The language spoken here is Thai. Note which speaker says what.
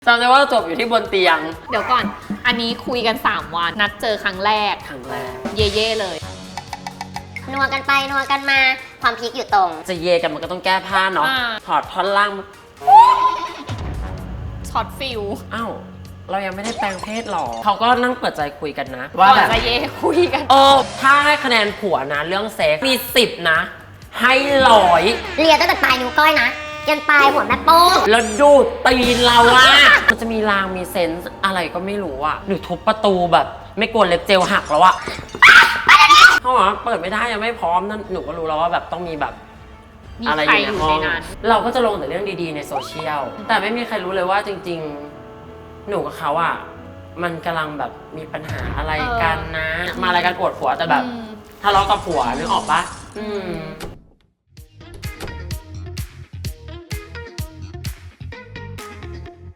Speaker 1: จำได้ว่าจบอยู่ที่บนเตียง
Speaker 2: เดี๋ยวก่อนอันนี้คุยกัน3 วันนัดเจอครั้งแรกเย่ๆเลย
Speaker 3: นัวกันไปนัวกันมาความพีคอยู่ตรง
Speaker 1: จะเยกันมันก็ต้องแก้ผ้าเนาะถอดท่อนล่าง
Speaker 2: ช็อตฟิล
Speaker 1: อ้าวเรายังไม่ได้แปลงเพศหรอเขาก็นั่งเปิดใจคุยกันนะ
Speaker 2: ว่าแบบจะเย่คุยกัน
Speaker 1: ถ้าให้คะแนนผัวนะเรื่องเซ็กมี10นะให้100
Speaker 3: เลียตั้งแต่ปลายนิ้วก้อยนะยันปลายหัวแม่โป้ง
Speaker 1: แล้วดูดตีนเราอะมันจะมีรางมีเซนส์อะไรก็ไม่รู้อะหรือทุบประตูแบบไม่กลัวเล็บเจลหักแล้วอะเขาบอกว่าเปิดไม่ได้ยังไม่พร้อมนั่นหนูก็รู้แล้วว่าแบบต้องมีแบบ
Speaker 2: อะไรอยู่ในห้อง
Speaker 1: เราก็จะลงแต่เรื่องดีๆในโซเชียลแต่ไม่มีใครรู้เลยว่าจริงๆหนูกับเขาอะมันกำลังแบบมีปัญหาอะไรกันนะมารายการอวดผัวแต่แบบทะเลาะกับผัวนึกออกปะ